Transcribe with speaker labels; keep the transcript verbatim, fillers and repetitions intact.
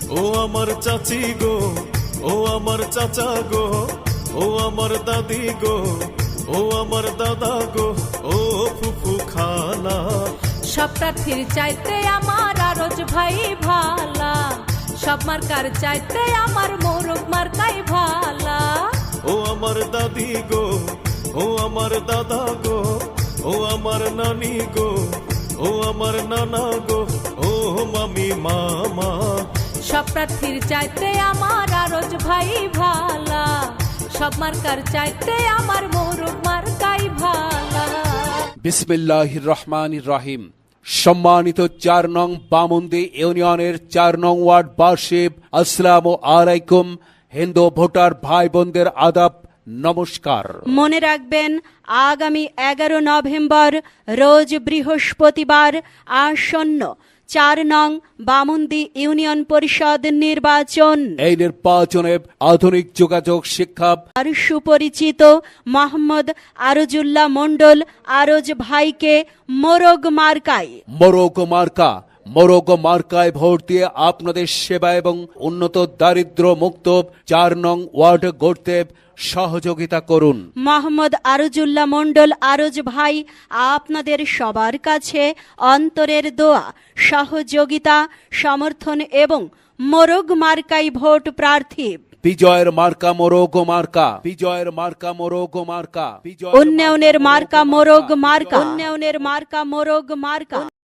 Speaker 1: ও আমার চাচি গো, ও আমার চাচা গো, ও আমার দাদি গো, ও আমার দাদা গো, ও ফুফু খালা।
Speaker 2: সব প্রার্থীর চাইতে আমার আরজ ভাই ভালা, সব মার্কার চাইতে আমার মোরগ মার্কাই ভালা।
Speaker 1: ও আমার দাদি গো, ও আমার দাদা গো, ও আমার নানি গো, ও আমার নানা গো, ও মামি মামা।
Speaker 2: সব প্রার্থীর চাইতে আমার আরজ ভাই ভালা, সব মার্কার চাইতে আমার মোরগ মার্কাই ভালা।
Speaker 3: বিসমিল্লাহির রহমানির রহিম। সম্মানিত চার নং বামুন্দি ইউনিয়নের চার নং ওয়ার্ড বাসিব, আসসালামু আলাইকুম। হিন্দু ভোটার ভাই বোনদের আদাব, নমস্কার।
Speaker 4: মনে রাখবেন, আগামী এগারো নভেম্বর রোজ বৃহস্পতিবার আসন্ন চার নং বামুন্দি ইউনিয়ন পরিষদ নির্বাচন।
Speaker 3: এই নির্বাচনে আধুনিক যোগাযোগ শিক্ষা
Speaker 4: আর সুপরিচিত মোহাম্মদ আরজুল্লাহ মণ্ডল আরজ ভাইকে মোরগ মার্কায়
Speaker 3: মোরগ মার্কা মোরগ মার্কায় ভোট দিয়ে আপনাদের সেবা এবং উন্নত দারিদ্র মুক্ত চার নং ওয়ার্ড গড়তে সহযোগিতা করুন।
Speaker 4: মোহাম্মদ আরজুল্লাহ মণ্ডল আরজ ভাই আপনাদের সবার কাছে অন্তরের দোয়া, সহযোগিতা, সমর্থন এবং মোরগ মার্কাই ভোট প্রার্থী।
Speaker 3: বিজয়ের মার্কা মোরগ মার্কা, বিজয়ের মার্কা মোরগ মার্কা,
Speaker 4: উন্নয়নের মার্কা মোরগ মার্কা, উন্নয়নের মার্কা মোরগ মার্কা।